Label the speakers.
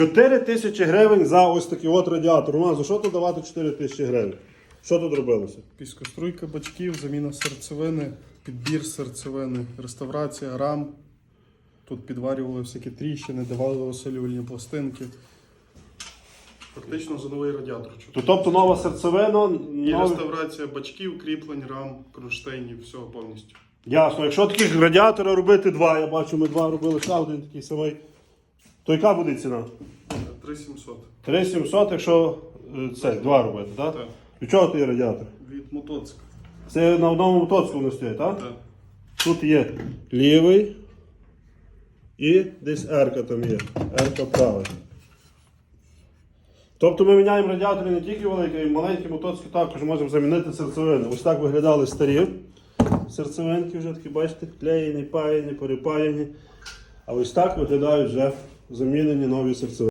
Speaker 1: 4 тисячі гривень за ось такий от радіатор. Роман, за що тут давати 4 тисячі гривень? Що тут робилося?
Speaker 2: Піскоструйка бачків, заміна серцевини, підбір серцевини, реставрація рам. Тут підварювали всякі тріщини, давали осилювальні пластинки. Фактично за новий радіатор.
Speaker 1: Тобто нова серцевина,
Speaker 2: І реставрація бачків, кріплень, рам, кронштейнів, всього повністю.
Speaker 1: Ясно. Якщо таких радіатора робити два, я бачу, ми два робили, ще один такий самий, то яка буде ціна?
Speaker 2: 3700.
Speaker 1: 3700, якщо це, два робити, так?
Speaker 2: Так.
Speaker 1: Від чого той радіатор?
Speaker 2: Від мотоцикла.
Speaker 1: Це на одному мотоциклу не стоїть, так?
Speaker 2: Так.
Speaker 1: Тут є лівий і десь R-ка там є. R-ка правий. Тобто ми міняємо радіатори не тільки великі, а й маленькі мотоцикли також можемо замінити серцевини. Ось так виглядали старі серцевинки, вже такі, бачите, клеєні, паяні, перепаяні. А ось так виглядають вже замінені нові серцевини.